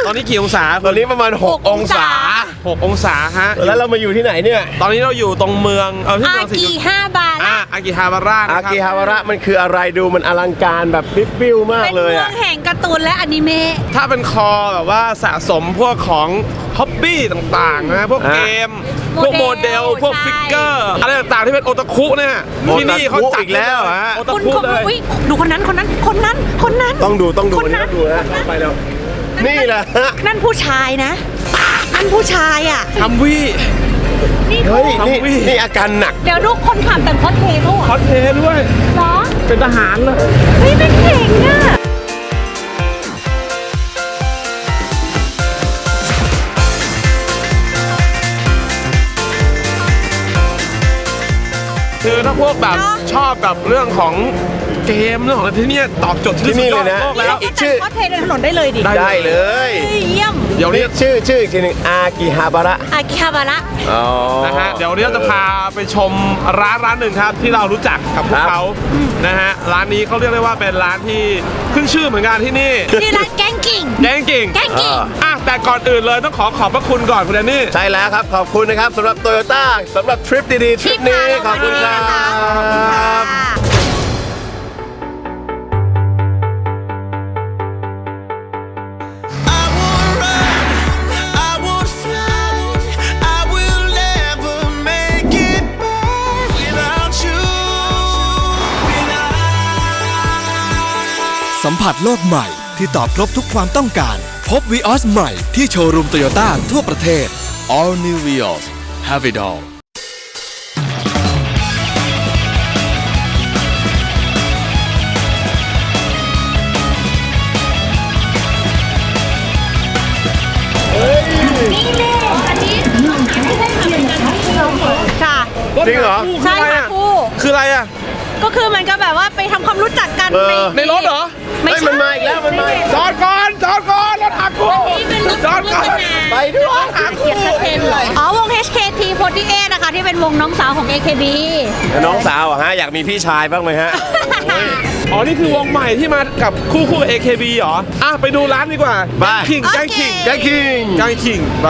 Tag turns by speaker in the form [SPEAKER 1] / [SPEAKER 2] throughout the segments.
[SPEAKER 1] ตอนนี้กี่องศา
[SPEAKER 2] ตอนนี้ประมาณ6 องศา
[SPEAKER 1] 6 องศาฮะ
[SPEAKER 2] แล้วเรามาอยู่ที่ไหนเนี่ย
[SPEAKER 1] ตอนนี้เราอยู่ตรงเมืองที่เมือง
[SPEAKER 3] อากิฮาบาระ
[SPEAKER 1] อากิฮาบาระ
[SPEAKER 2] อากิฮาวาระมันคืออะไรดูมันอลังการแบบบิ้วมากเลย
[SPEAKER 3] เป็นเมื
[SPEAKER 2] อ่ะ
[SPEAKER 3] องแห่งการ์ตูนและอนิเมะ
[SPEAKER 1] ถ้าเป็นคอแบบว่าสะสมพวกของฮ็อบบี้ต่างๆนะพวกเกมพวกโมเดลพวกฟิกเกอร์อะไรต่างๆที่เป็นโอตาคุเนี่ยที่นี่เขาจัด
[SPEAKER 2] อีกแล้วฮะ
[SPEAKER 1] โอตา
[SPEAKER 3] คุณ
[SPEAKER 1] คุเลย
[SPEAKER 3] ดูคนนั้น
[SPEAKER 2] ต้องดูนี่ต้องดูนะไปแล้วนี่แหละ
[SPEAKER 3] นั่นผู้ชายนะนั่นผู้ชายอ่ะ
[SPEAKER 1] ฮัมวี่
[SPEAKER 3] นี่
[SPEAKER 2] เฮ้ยนี่อาการหนัก
[SPEAKER 3] เดี๋ยวดูคนขับแต่งคอสเพลย์ด้วย
[SPEAKER 1] คอสเพลย์ด้วย
[SPEAKER 3] เหรอ
[SPEAKER 1] เป็นทหารเลย
[SPEAKER 3] เฮ้ยเป็นเก่งอ่ะ
[SPEAKER 1] คือถ้าพวกแบบชอบแบบเรื่องของเกมเรื่องของอะไรที่นี่ตอบโจทย์ที่สุดยอดโลกแล้ว
[SPEAKER 2] อีกชื่อ
[SPEAKER 3] คอสเพลย์ในถนนได้เลยดิ
[SPEAKER 2] ได้เลย
[SPEAKER 3] เยี่ยม
[SPEAKER 1] เดี๋ยวนี้
[SPEAKER 2] ชื่ออีกทีหนึงอากิฮาบาระ
[SPEAKER 3] อากิฮาบาระ
[SPEAKER 1] นะฮะเดี๋ยวนี้เราจะพาไปชมร้านหนึ่งครับที่เรารู้จักกับพวกเขานะฮะร้านนี้เขาเรียกได้ว่าเป็นร้านที่ขึ้นชื่อเหมือนกันที่นี่
[SPEAKER 3] ชื่อร้านแกงกิ่ง
[SPEAKER 1] แกงกิ่งแต่ก่อนอื่นเลยต้องขอบพระคุณก่อนคุณแดนนี่
[SPEAKER 2] ใช่แล้วครับขอบคุณนะครับสำหรับโตโยต้าสำหรับทริปดีๆทริปนี้ขอบคุณครับ
[SPEAKER 4] สัมผัสโลกใหม่ที่ตอบครบทุกความต้องการพบ Vios ใหม่ที่โชว์รูมโตโยต้าทั่วประเทศ All New Vios Have it all
[SPEAKER 3] นี่เลยอันนี้ค่ะ
[SPEAKER 2] จริงเหรอ
[SPEAKER 3] ใช่ค่ะครู
[SPEAKER 1] คืออะไรอ่ะ
[SPEAKER 3] ก็คือมันก็แบบว่าไปทำความรู้จักกัน
[SPEAKER 1] ในรถเหรอ
[SPEAKER 3] ไม่ใช่
[SPEAKER 2] มันมาอีกแล้วมันมาอีก
[SPEAKER 1] จอดก่อนรถหักโค้ง
[SPEAKER 3] นี่เป็นรถ
[SPEAKER 1] จอดก่อน
[SPEAKER 2] ไปด้วย
[SPEAKER 3] อ๋อวง HKT48 นะคะที่เป็นวงน้องสาวของ AKB
[SPEAKER 2] แล้วน้องสาวอะฮะอยากมีพี่ชายบ้างไหมฮะ
[SPEAKER 1] อ๋อนี่คือวงใหม่ที่มากับคู่ AKB เหรอไปดูร้านดีกว่า
[SPEAKER 2] ไป
[SPEAKER 1] แกงขิง
[SPEAKER 2] แกงคิง
[SPEAKER 1] แกงขิงป่ะ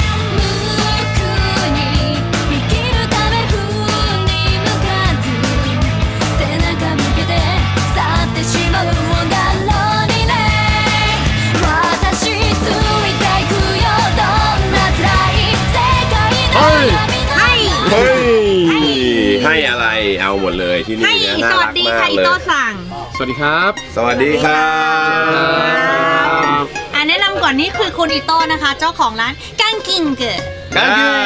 [SPEAKER 2] ให้อะไรเอาหมดเลยที่นี่เนี่ยน่า
[SPEAKER 3] สวั
[SPEAKER 2] รั
[SPEAKER 3] ส
[SPEAKER 2] ก
[SPEAKER 3] ดี
[SPEAKER 2] มา
[SPEAKER 3] ค่ะ
[SPEAKER 2] ก
[SPEAKER 3] อิ
[SPEAKER 2] เลย
[SPEAKER 3] โตสั่ง
[SPEAKER 1] สวัสดีครับ
[SPEAKER 2] สวัสดีครับ
[SPEAKER 3] แนะนำก่อนนี่คือคุณอิโตนะคะ เจ้าของร้านกังกิงเกอ
[SPEAKER 2] แกงคิ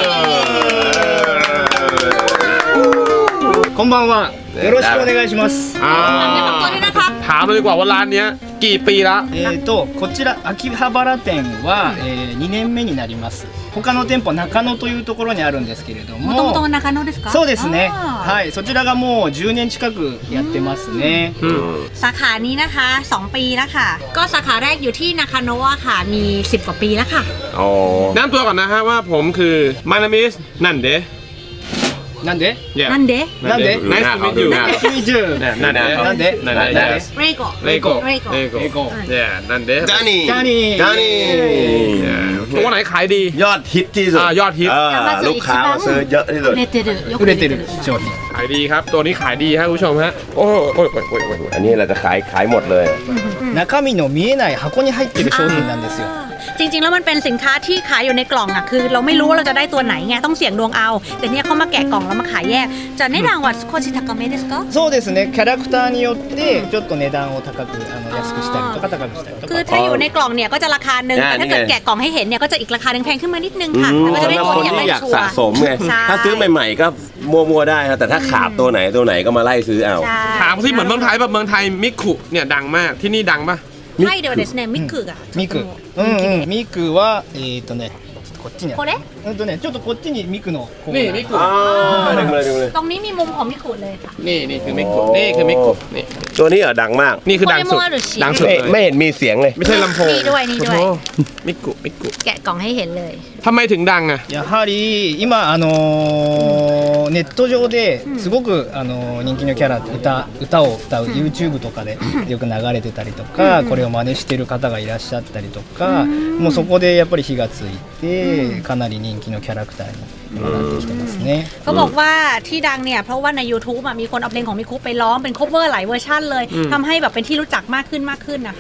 [SPEAKER 2] ง
[SPEAKER 5] こんばんは。よろしくお願いします。
[SPEAKER 3] แนะนำตัวด้วยนะครับ
[SPEAKER 1] ถามเลยดีกว่าว่าร้านเนี้ยกี่ปีละ
[SPEAKER 5] こちら秋葉原店は、2年目になります。他の店舗中野というところにあるんですけれども。
[SPEAKER 3] もともと中野ですか？
[SPEAKER 5] そうですね。
[SPEAKER 3] あー
[SPEAKER 5] はい、そちらがもう10年近くやってますね。
[SPEAKER 3] สาขานี้นะคะ 2 ปีแล้วค่ะ ก็สาขาแรกอยู่ที่นาคาโนะค่ะมี10 กว่าปีแล้วค่ะ
[SPEAKER 2] อ๋อ
[SPEAKER 1] แนะนำตัวก่อนนะฮะว่าผมคือมานามิสนันเดะ
[SPEAKER 5] なんで？
[SPEAKER 3] นั่นเดะ
[SPEAKER 5] なんで？
[SPEAKER 1] Nice to meet you
[SPEAKER 5] 90。
[SPEAKER 1] นันเดะ
[SPEAKER 5] なんで？
[SPEAKER 1] なんで
[SPEAKER 5] なんで？
[SPEAKER 3] เรโก
[SPEAKER 1] เลโก้
[SPEAKER 3] เลโก้
[SPEAKER 1] เลโก้เนี่ยนันเดะ
[SPEAKER 2] ดานี่
[SPEAKER 5] ダニー。
[SPEAKER 2] ดานี่
[SPEAKER 1] ตัวไหนขายดี
[SPEAKER 2] ยอดฮิตที่สุด
[SPEAKER 1] ยอดฮิต
[SPEAKER 2] ลูกค้ามาซื้อเยอะที่สุด
[SPEAKER 3] 売れてるよく
[SPEAKER 5] 売れてる商品。
[SPEAKER 1] ขายดีครับ ตัวนี้ขายดีฮะคุณผู้ชมฮะโอ้โอ้ย
[SPEAKER 2] อันนี้เราจะขายหมดเลย
[SPEAKER 5] 中身の見えない箱に入ってる商品なんですよ。
[SPEAKER 3] จริงๆแล้วมันเป็นสินค้าที่ขายอยู่ในกล่องอ่ะคือเราไม่รู้ว่าเราจะได้ตัวไหนไงต้องเสี่ยงดวงเอา แต่เนี่ยเขามาแกะกล่องแล้วมาขายแยกจะ値段は少し高めですか？
[SPEAKER 5] そうですね。キャラクターによってちょっと値段を高く安くしたりとか高くしたりと
[SPEAKER 3] คือ
[SPEAKER 5] か。
[SPEAKER 3] ถ้าอยู่ในกล่องเนี่ยก็จะราคาหนึ่งแต่ถ้าเกิดแกะกล่องให้เห็นเนี่ยก็จะอีกราคาหนึ่งแพงขึ้นมานิดนึงค่ะแต่ก็จะ
[SPEAKER 2] สำ
[SPEAKER 3] ได้
[SPEAKER 2] หรับ
[SPEAKER 3] ค
[SPEAKER 2] คน น
[SPEAKER 3] อยาก
[SPEAKER 2] ที่
[SPEAKER 3] ได้
[SPEAKER 2] อยาก
[SPEAKER 3] ชัว
[SPEAKER 2] สะ
[SPEAKER 3] ร์
[SPEAKER 2] สมไง
[SPEAKER 3] ใช่
[SPEAKER 2] ถ้าซื้อใหม่ๆก็มัวๆได้ครับแต่ถ้าขาดตัวไหนก็มาไล่ซื้อเอา
[SPEAKER 3] ใช่
[SPEAKER 1] ถามที่เหมือนเมืองไทยแบบเมืองไทยมิคุเนี่ยดังมากที่นี่ดังปะ
[SPEAKER 3] はいではですねミクが
[SPEAKER 5] ミク。うんうん。ミクはこっちにある。
[SPEAKER 3] これ
[SPEAKER 5] こちょっとこっちにミクのコーナー
[SPEAKER 1] นี่มิกุ
[SPEAKER 2] อ๋อดึงเลย
[SPEAKER 3] ตรงนี้มีมุมของมิคุเลยค่ะ
[SPEAKER 1] นี่คือมิกุนี่คือมิกุนี่
[SPEAKER 2] ตัวนี้เหรอดังมาก
[SPEAKER 1] นี่คือดังสุด
[SPEAKER 3] โมเดลหรือฉีด
[SPEAKER 1] ดังสุด
[SPEAKER 2] ไม่
[SPEAKER 1] เลย
[SPEAKER 2] ไม่เห็นมีเสียงเลย
[SPEAKER 1] ไม่ใช่ลำโพง
[SPEAKER 3] นี่ด้วยนี่ด้วย
[SPEAKER 1] โอ้โหมิกุ
[SPEAKER 3] แกะกล่องให้เห็นเลย
[SPEAKER 1] ทำไมถึงดังอ่ะ
[SPEAKER 5] やはり今ネット上ですごく人気のキャラ歌を歌う YouTube とかでよく流れてたりとかこれを真似してる方がいらっしゃったりとかもうそこでやっぱり火がついてかなり人気のキャラクターになってきてますね
[SPEAKER 3] เขาบอกว่าที่ดังเนี่ยเพราะว่าใน YouTube อะมีคนเอาเพลงของมิคุไปร้องเป็น cover หลายเวอร์ชันเลยทำให้แบบเป็นที่รู้จักมากขึ้นนะคะ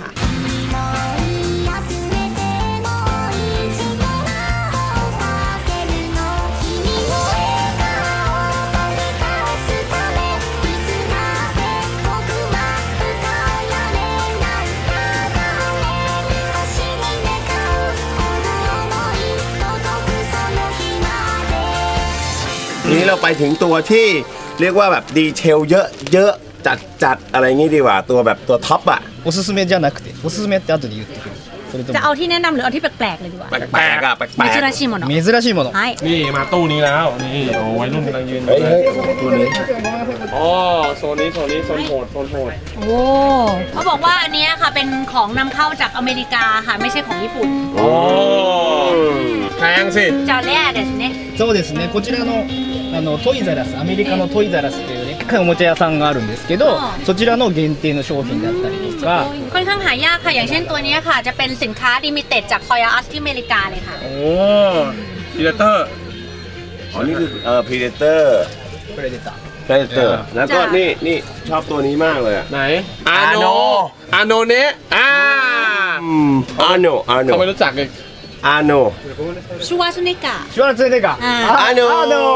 [SPEAKER 2] นี้เราไปถึงตัวที่เรียกว่าแบบดีเทลเยอะจัดอะไรงี้ดีกว่าตัวแบบตัวท็อปอะ
[SPEAKER 5] おすすめじゃなくておすすめって後で言ってくるそれと
[SPEAKER 3] จะ
[SPEAKER 5] も
[SPEAKER 3] เอาที่แนะนำหรือเอาที่แปลกๆเลยดีกว่า
[SPEAKER 2] แปลกๆอะแปล
[SPEAKER 3] มิ
[SPEAKER 2] ก
[SPEAKER 3] จูราชิโมโนะ
[SPEAKER 5] 珍しいもの
[SPEAKER 3] ใช่
[SPEAKER 1] นี่มาตู้นี้แล้วนี่โอ้วัยรุ่นกำลังยืน
[SPEAKER 2] ๆเฮ้ยตัวนี้
[SPEAKER 1] อ๋อโซนนี้โซนโหด
[SPEAKER 3] โอ้เขาบอกว่าอันเนี้ยค่ะเป็นของนำเข้าจากอเมริกาค่ะไม่ใช่ของญี่ปุ่น
[SPEAKER 1] โอ้แพงสิ
[SPEAKER 3] จอแร่เดสเน่
[SPEAKER 5] そうですねこちらのトイザラスアメリカのトイザラスっていうでっかいおもちゃ屋さんがあるんですけどそちらの限定の商品だったりとか
[SPEAKER 3] ค่อนข้างหายากค่ะอย่างเช่นตัวเนี้ยค่ะ จะเป็นสินค้าลิมิเต็ดจาก Toys R Us ที่อเมริกาเลยค่ะ
[SPEAKER 1] โอ้ดีเลเตอร์
[SPEAKER 2] อ๋อนี่คือPredator
[SPEAKER 5] プレデター
[SPEAKER 2] Predator แล้วก็นี่ชอบตัวนี้มากเลยอะ
[SPEAKER 1] ไหนอาโนเนะ
[SPEAKER 2] อาโน
[SPEAKER 1] เขาไม่รู้จักเลย
[SPEAKER 2] อาโน
[SPEAKER 3] ชูวาซุเนกะ
[SPEAKER 5] シュワルツェネッガー
[SPEAKER 2] อาโนอาโน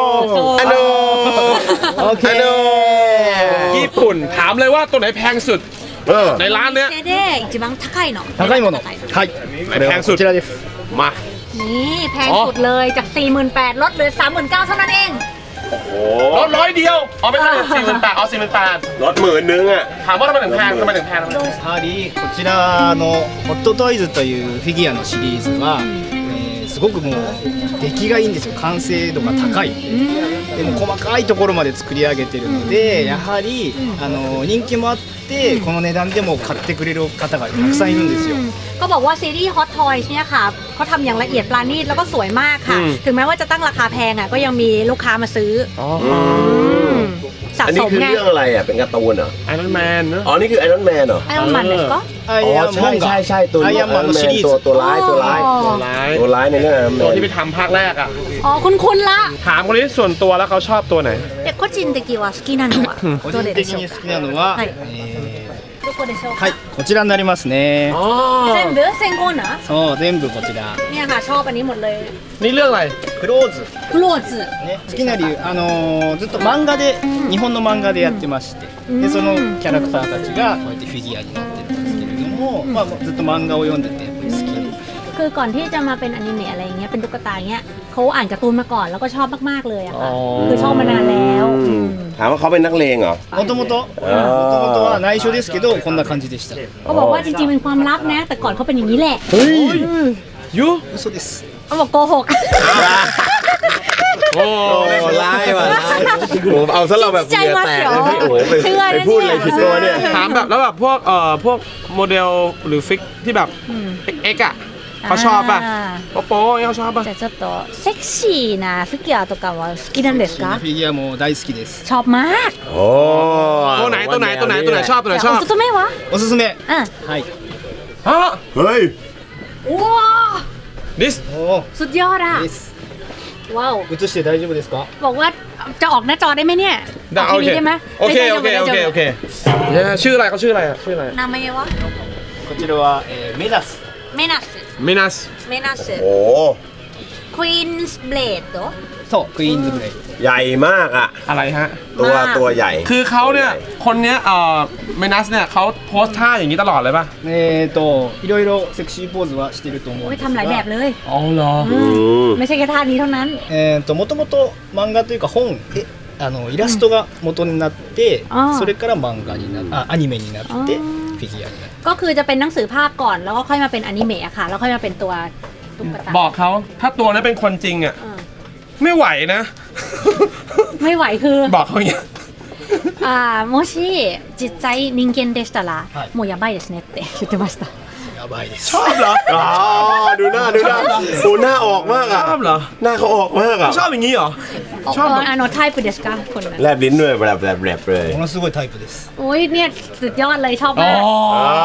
[SPEAKER 5] オッケ
[SPEAKER 2] อาโน
[SPEAKER 5] ー
[SPEAKER 1] ญี่ปุ่นถามเลยว่าตัวไหนแพงสุด ในร้านเนี้ย
[SPEAKER 3] เด一番高いの
[SPEAKER 5] 高いものはいこれはこちらです
[SPEAKER 1] มา
[SPEAKER 3] นี่แพงสุดเลยจาก 48,000ลดเหลือ 39,000เท่านั้นเอง
[SPEAKER 2] โอ้
[SPEAKER 1] ลด100เดียวเอาไปเท่าไหร่48,000เอา48,000
[SPEAKER 2] รถ10,000อะ
[SPEAKER 1] ถามว่าทำไมถึงแพงทำไมถึงแพง
[SPEAKER 5] やはりこちらのホットトイズというフィギュアのシリーズは、すごくもう出来がいいんですよ完成度が高いでも細かいところまで作り上げてるのでやはり人気もあってこの値段でも買ってくれる方がたくさんいるんですよ
[SPEAKER 3] ก็บอกว่าซีรีส์ Hot Toys เนี่ยค่ะเขาทำอย่างละเอียดปราณีตแล้วก็สวยมากค่ะ ถึงแม้ว่าจะตั้งราคาแพงอ่ะก็ยังมีลูกค้ามาซื้อสะ
[SPEAKER 2] อัน
[SPEAKER 3] ส
[SPEAKER 2] นี้
[SPEAKER 3] ม
[SPEAKER 2] คือ
[SPEAKER 3] ไง
[SPEAKER 2] เรื่องอะไรอะเป็นการ์ตูนเหรอ
[SPEAKER 1] ไอรอนแมนเนอะ
[SPEAKER 2] อ๋อนี่คือไอรอนแมนเหรอ
[SPEAKER 3] ไอรอนมันเลยก็
[SPEAKER 5] アイアンマンが
[SPEAKER 2] ใช่ตัว
[SPEAKER 5] アイ
[SPEAKER 2] นี้
[SPEAKER 5] アンマンのシリーズ
[SPEAKER 2] ตัวร้าย
[SPEAKER 1] ตัวร้าย
[SPEAKER 2] ตัวร้ายในเรื่องไอรอนแม
[SPEAKER 1] ตัวน ที่ไปทำภาคแรกอ่ะ
[SPEAKER 3] อ๋อคุณละ
[SPEAKER 1] ถามคนนี้ส่วนตัวแล้วเขาชอบตัวไหน
[SPEAKER 3] เด็กโคจินเด็กิวะสกินันวะ
[SPEAKER 5] 個人的に好きなのは、
[SPEAKER 3] はいどこでしょうか
[SPEAKER 5] はいこちらになりますね
[SPEAKER 1] อ๋อ
[SPEAKER 3] เซนเบอร์เซนโกนเหรอ
[SPEAKER 5] そう全部こちら
[SPEAKER 3] เนี่ยค่ะชอบอันนี้หมดเลย
[SPEAKER 1] นี่เรื่องอะไร
[SPEAKER 5] クローズ
[SPEAKER 3] โกรธ
[SPEAKER 5] ね、好きな理由、ずっと漫画で、日本の漫画でやってまして、でそのキャラクターたちがこうやってフィギュアになってるんですけれども、まあ、ずっと漫画を読んでてやっぱり好きで
[SPEAKER 3] คือก่อนที่จะมาเป็นอนิเมะอะไรอย่างเงี้ยเป็นตุ๊กตาเงี้ยเขาอ่านการ์ตูนมาก่อนแล้วก็ชอบมากๆเลยอะค่ะคือชอบมานานแล้ว
[SPEAKER 2] ถามว่าเขาเป็นนักเลงเหรอ
[SPEAKER 5] もともとは内緒ですけどこんな感じでした
[SPEAKER 3] เขาบอกว่าจริงๆเป็นความลับนะ แต่ก่อนเขาเป็นอย่างนี้แหละ
[SPEAKER 1] ยู
[SPEAKER 5] 嘘です
[SPEAKER 3] เขาบอกโกหก
[SPEAKER 1] โอ้
[SPEAKER 2] โอ้ร้ายว่ะร้ายผมเอาซะเราแบบเหงื่อแตกเลยพี่โอ้ไป
[SPEAKER 3] เชื่อนะ
[SPEAKER 2] ไปพูดอะไรผิดตัวเนี่ย
[SPEAKER 1] ถามแบบแล้วแบบพวกโมเดลหรือฟิกที่แบบเอ็กอะเขาชอบป่ะโป๊ะเขาชอบป่ะ
[SPEAKER 3] じゃあちょっとセクシーなフィギュアとかは好きなんですか
[SPEAKER 5] フィギュアも大好きです
[SPEAKER 3] ชอบมาก
[SPEAKER 2] โอ้
[SPEAKER 1] ตัวไหนชอบตัวไหน
[SPEAKER 3] แต่
[SPEAKER 1] ช
[SPEAKER 3] โอ
[SPEAKER 1] อบ
[SPEAKER 3] ซุโตเมะวะ
[SPEAKER 5] おすすめ
[SPEAKER 3] อ่ะ
[SPEAKER 5] はい
[SPEAKER 1] ฮะ
[SPEAKER 2] เฮ้ย
[SPEAKER 3] ว้าว
[SPEAKER 1] ดิส
[SPEAKER 5] お
[SPEAKER 3] สุดยอดอ่ะ
[SPEAKER 5] ーです
[SPEAKER 3] ว้าว
[SPEAKER 5] 映して大丈夫ですか
[SPEAKER 3] บอกว่าจะออกหน้าจอได้ไหมเนี่ย
[SPEAKER 1] ได้
[SPEAKER 3] ออกทีวีได้ไหม
[SPEAKER 1] โอเคชื่ออะไรเขาชื่ออะไรอ่ะชื่ออะไร
[SPEAKER 3] นามายาวะ
[SPEAKER 5] こちらは、メダス
[SPEAKER 3] เมนัส
[SPEAKER 1] มินัส
[SPEAKER 3] เมนัส
[SPEAKER 2] โอ้
[SPEAKER 3] ควีนส์เบลดเหรอ
[SPEAKER 5] そうクイーンズブレイド
[SPEAKER 2] ใหญ่มากอ่ะ
[SPEAKER 1] อะไรฮะ
[SPEAKER 2] ตัวใหญ่
[SPEAKER 1] คือเขาเนี่ยคนเนี้ยมินัสเนี่ยเขาโพสท่าอย่างนี้ตลอดเลยป่ะ
[SPEAKER 5] いろいろセクシーポーズはしてると思うん
[SPEAKER 3] โอ้ย
[SPEAKER 5] です
[SPEAKER 3] ทำหลายแบบเลย
[SPEAKER 1] อ๋อเหรอ
[SPEAKER 3] ไม่ใช่แค่ท่านี้เท่านั้น
[SPEAKER 5] もともと漫画というか本でイラストが元になってそれから漫画になアニメになってフィギュアになって
[SPEAKER 3] ก็คือจะเป็นหนังสือภาพก่อนแล้วก็ค่อยมาเป็นอนิเมะอะค่ะ แล้วค่อยมาเป็นตัวตุ๊กตา
[SPEAKER 1] บอกเขาถ้าตัวนั้นเป็นคนจริงอ่ะ
[SPEAKER 3] อ่า
[SPEAKER 1] ไม่ไหวนะ
[SPEAKER 3] ไม่ไหวคือ
[SPEAKER 1] บอกเขาอย่างเงี้ย
[SPEAKER 3] もし実際人間でしたら、もうやばいですねって言ってました。
[SPEAKER 5] やばいです
[SPEAKER 2] ชอบเหรออ๋อดูหน้าออกมากอ่ะ
[SPEAKER 1] ชอบเหรอ
[SPEAKER 2] หน้าเขาออกมากอ่ะ
[SPEAKER 1] ชอบอย่างนี้เหรอ ชอบแบบ
[SPEAKER 3] タイプですかคนนั้น
[SPEAKER 2] แลบลิ้นด้วยแบบเลย
[SPEAKER 5] ものすごいタイプです
[SPEAKER 3] โอ้ยเนี่ยสุดยอดเลยชอบ
[SPEAKER 1] อ๋อ
[SPEAKER 3] มาก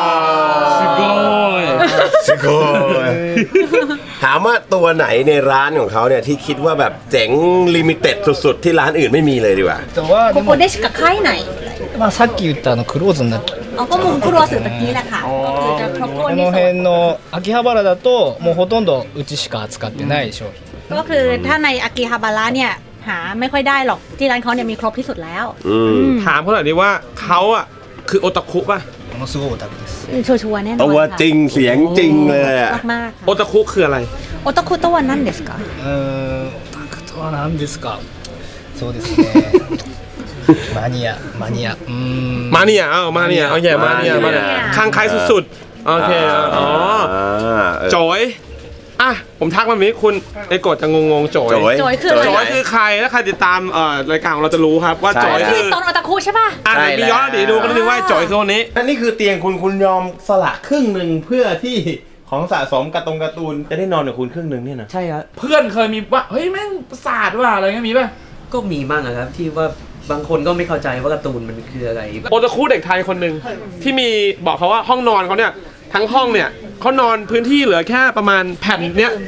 [SPEAKER 1] สุดโกย
[SPEAKER 2] สุโกยถามว่าตัวไหนในร้านของเขาเนี่ยที่คิดว่าแบบเจ๋งลิมิเต็ดสุดๆที่ร้านอื่นไม่มีเลยดีกว่า
[SPEAKER 5] あとは
[SPEAKER 3] こ
[SPEAKER 5] でも
[SPEAKER 3] こでしか買えない
[SPEAKER 5] まあさっき言ったクローズになって
[SPEAKER 3] เอาก็มุมครัวสื่อตะกี้แหละค่ะก็คือจะครบถ้วน
[SPEAKER 5] こ
[SPEAKER 3] ที่
[SPEAKER 5] の
[SPEAKER 3] สุด
[SPEAKER 5] 辺の秋葉原だともうほとんどうちしか扱ってない商品
[SPEAKER 3] ก็คือถ้าในอากิฮาบาระเนี่ยหาไม่ค่อยได้หรอกที่ร้านเขาเนี่ยมีครบที่สุดแล้ว
[SPEAKER 1] ถามเขาหน่อยดิว่าเขาอ่ะคือโอตาคุป่ะ
[SPEAKER 5] ものすごいオタクです
[SPEAKER 3] ชัวร์ๆแน่นอน
[SPEAKER 2] ตัว
[SPEAKER 3] ค่ะ
[SPEAKER 2] จริงเสียงจริงเลยอ่ะ
[SPEAKER 3] มากๆ
[SPEAKER 1] โอ
[SPEAKER 3] ค่ะ
[SPEAKER 1] ตาคุคืออะไร
[SPEAKER 3] โอตาคุตัวนั่นเですか
[SPEAKER 5] うーんオタクとは何ですかそうですねマニアうーん
[SPEAKER 1] มาเนี่ยมาเนี่ยโอเคมาเนี่ยข้างใครสุดๆ โอเคอ๋อ โจยอ่ะผมทักมาแบบนี้คุณไอ้กดจะงงๆโจย
[SPEAKER 2] โจย
[SPEAKER 3] โจยคืออะไร
[SPEAKER 1] โจยคือใครถ้าใครติดตามรายการของเราจะรู้ครับว่า
[SPEAKER 2] ใช่
[SPEAKER 1] โจย
[SPEAKER 3] คื
[SPEAKER 1] คือ อ
[SPEAKER 3] ตอนโอตาคุใช่ป่ะ
[SPEAKER 1] อ่ะเดี๋ยวมีย้อนอดีตดูกันนิดนึงว่าโจยคือคนนี้
[SPEAKER 2] อันนี้คือเตียงคุณยอมสละครึ่งหนึ่งเพื่อที่ของสะสมการ์ตูนจะได้นอนกับคุณครึ่งหนึ่งเนี่ยนะ
[SPEAKER 6] ใช่ครับ
[SPEAKER 1] เพื่อนเคยมีว่าเฮ้ยแม่งประสาทว่ะอะไรเงี้ยมีป่ะ
[SPEAKER 6] ก็มีบ้างอะครับที่ว่าบางคนก็ไม่เข้าใจว่าการ์ตูนมันคืออะไร
[SPEAKER 1] โอตาคุเด็กไทยคนหนึ่งที่มีบอกเขาว่าห้องนอนเขาเนี่ยทั้งห้องเนี่ยเขานอนพื้นที่เหลือแค่ประมาณแผ่นเนี้ย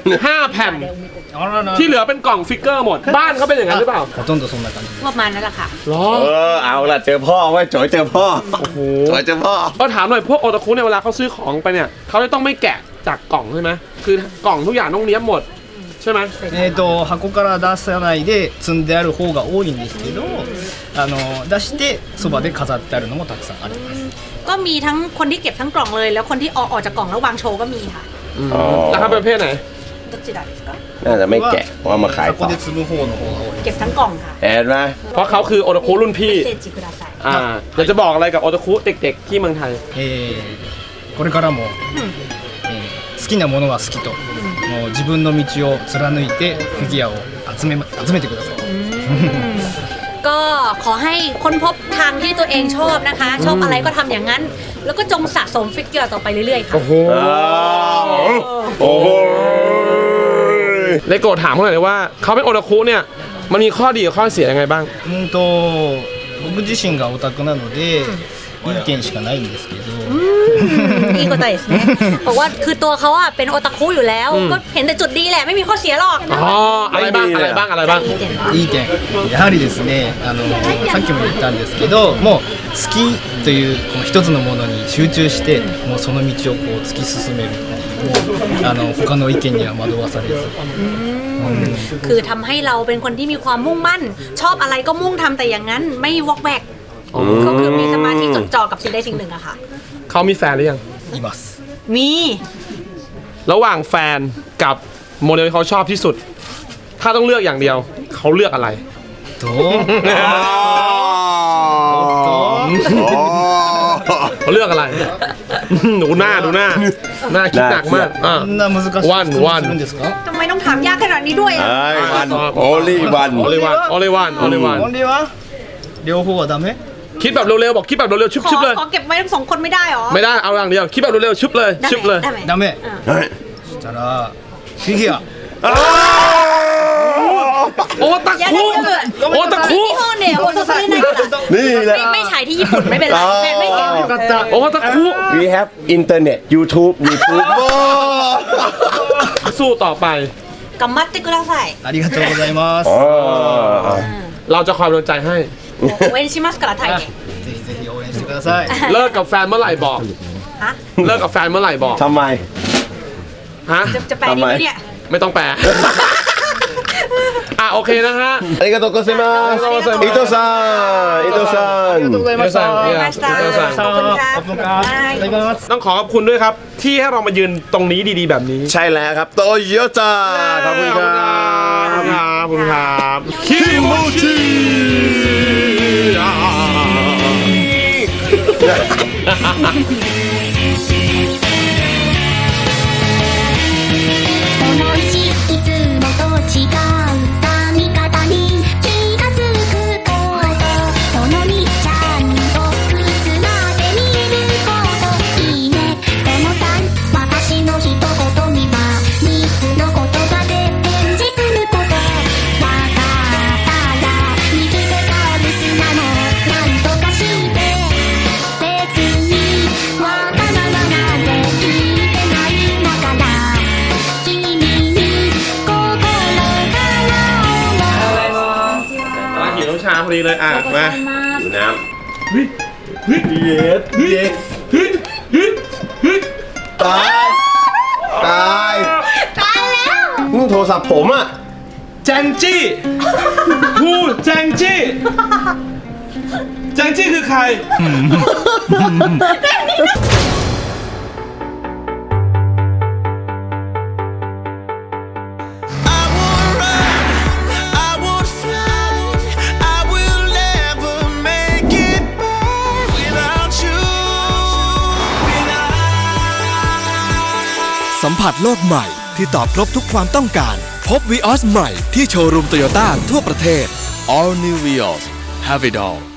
[SPEAKER 1] 5 แผ่น
[SPEAKER 5] あらら
[SPEAKER 1] ที่เหลือเป็นกล่องฟิกเกอร์หมด บ้านเขาเป็นอย่างนั้นหรือเปล่า
[SPEAKER 5] ほとんどそんな感じ
[SPEAKER 3] ประมาณนั้นแหละค่ะ
[SPEAKER 1] หรอ
[SPEAKER 2] เอาล่ะเจอพ่อไว้โจยเจอพ่อ
[SPEAKER 1] โอ้โห
[SPEAKER 2] โจยเจอพ่อ
[SPEAKER 1] ก็ถามหน่อยพวกโอตาคุเนี่ยเวลาเขาซื้อของไปเนี่ยเขาจะต้องไม่แกะจากกล่องใช่ไหมคือกล่องทุกอย่างต้องเนี้ยบหมดใช่ไหม
[SPEAKER 5] 箱から出さないで積んである方が多いんですけど出してそばで飾ってあるのもたくさんあります
[SPEAKER 3] ก็มีทั้งคนที่เก็บทั้งกล่องเลย แล้วคนที่ออกจากกล่องแล้ววางโชว์ก็มีค่ะ
[SPEAKER 2] อ๋อ
[SPEAKER 1] แล้วเขาเป็นประเภทไหน
[SPEAKER 3] どちらですか
[SPEAKER 2] น่าจะไม่แกะเพราะเอามาขาย
[SPEAKER 5] 箱
[SPEAKER 2] ต่อ
[SPEAKER 5] で積む方の方が多い
[SPEAKER 3] เก็บทั้งกล่องค่ะ
[SPEAKER 2] เห็นไหม
[SPEAKER 1] เพราะเขาคือโอตาคุรุ่นพี่
[SPEAKER 3] เซจิคุดาไซ
[SPEAKER 1] อยากจะบอกอะไรกับโอตาคุเด็กๆที่เมืองไทย
[SPEAKER 5] これからも、好きなものは好きと、もう自分の道を貫いてフィギュアを集めてください
[SPEAKER 3] ก็ขอให้ค้นพบทางที่ตัวเองชอบนะคะ ชอบอะไรก็ทำอย่างนั้น แล้วก็จงสะสมฟิกเกอร์ต่อไปเรื่อยๆค่ะ
[SPEAKER 1] โอ้โห
[SPEAKER 2] โอ้โห
[SPEAKER 1] เลโกถามเขาหน่อยเลยว่าเขาเป็นโอตาคุเนี่ยมันมีข้อดีกับข้อเสียยังไงบ้าง
[SPEAKER 5] 僕自身がオタクなので、いい点しかないんですけど、
[SPEAKER 3] いいことですねบอกว่าคือตัวเขาอะเป็นโอตาคุอยู่แล้ว ก็เห็นแต่จุดดีแหละไม่มีข้อเสียหรอก
[SPEAKER 1] อ๋ออะไรบ้างอะไรบ้างอะไรบ้าง
[SPEAKER 5] いい点やはりですねさっきも言ったんですけどもう好きというこの一つのものに集中してもうその道をこう突き進めるもう他の意見には惑わされず
[SPEAKER 3] คือทำให้เราเป็นคนที่มีความมุ่งมั่น ชอบอะไรก็มุ่งทำแต่อย่างนั้นไม่วอกแวกก็คือมีสมาธิจดจ่อกับสิ่งใดสิ่งหนึ่งอะค่ะ
[SPEAKER 1] เขามีแฟนหรือยัง
[SPEAKER 5] います
[SPEAKER 3] มี
[SPEAKER 1] ระหว่างแฟนกับโมเดลที่เขาชอบที่สุด ถ้าต้องเลือกอย่างเดียวเขาเลือกอะไร
[SPEAKER 5] と
[SPEAKER 1] เขาเลือกอะไร ดูหน้าคิดหนักมากอ่ะ
[SPEAKER 5] こんな難しい質問するんですか
[SPEAKER 3] ทำไมต้องถามยากขนาดนี้ด้วยอะ
[SPEAKER 2] ไอ้วันโอลี่วัน
[SPEAKER 1] โอเลวันโอเลวันโอเลวัน
[SPEAKER 5] オンリーは両方はダメ
[SPEAKER 1] คิดแบบเร็วๆบอกคิดแบบเร็วๆชุบๆเลย
[SPEAKER 3] ขอเก็บไว้ทั้งสองคนไม่ได้หรอ
[SPEAKER 1] ไม่ได้เอาอย่างเดียวคิดแบบเร็วๆชุบเลยชุบเลย
[SPEAKER 3] ได้ไหม
[SPEAKER 5] ダメ
[SPEAKER 2] เฮ้ย
[SPEAKER 5] そしたらフィギュア
[SPEAKER 1] โอตาคุโอตาคุ
[SPEAKER 3] ที่ห้องเนี่ยโอโซซิได้ค่ะ
[SPEAKER 2] นี่แหละ
[SPEAKER 3] ไม่ฉายที่ญี่ปุ่นไม่เป็นไรแฟนไม่เห็น
[SPEAKER 5] よかった
[SPEAKER 1] โอตาคุ
[SPEAKER 2] We have internet YouTube
[SPEAKER 1] สู้ต่อไป
[SPEAKER 3] กัมมัตติกุระไซ
[SPEAKER 5] ありがとうございます
[SPEAKER 2] อ๋อ
[SPEAKER 1] เราจะคอยเป็นกำลังใจให้
[SPEAKER 3] เว้นชิมัสกระไทยเนี่ย
[SPEAKER 5] ぜひぜひ応援してください
[SPEAKER 1] เลิกกับแฟนเมื่อไหร่บอก
[SPEAKER 3] ฮะ
[SPEAKER 1] เลิกกับแฟนเมื่อไหร่บอก
[SPEAKER 2] ทำไม
[SPEAKER 1] ฮะ
[SPEAKER 3] จะแปลดีไหมเนี่ย
[SPEAKER 1] ไม่ต้องแปล อ่ะโอเคนะฮะ
[SPEAKER 2] ありがとうございます伊藤さん伊藤さん
[SPEAKER 5] ありがとうございました
[SPEAKER 1] いや
[SPEAKER 3] ましたขอบคุณครับ
[SPEAKER 5] ขอบคุณครับいただきます
[SPEAKER 1] ต้องขอขอบคุณด้วยครับ ที่ให้เรามายืนตรงนี้ดีๆแบบนี้
[SPEAKER 2] ใช่แล้วครับโตโยต้าขอบคุณครับ
[SPEAKER 1] ขอบคุณครับคิโมจิ
[SPEAKER 7] その1いつもと違う
[SPEAKER 1] ดีเลยอ่ะมา
[SPEAKER 2] ดูน้ำตายตายแล้วโทรศัพท์ผมอ่ะ
[SPEAKER 1] แจงจี้พูดแจงจี้แจงจี้คือใคร
[SPEAKER 4] สัมผัสโลกใหม่ที่ตอบครบทุกความต้องการ พบ Vios ใหม่ที่โชว์รูมโตโยต้าทั่วประเทศ All New Vios Have it all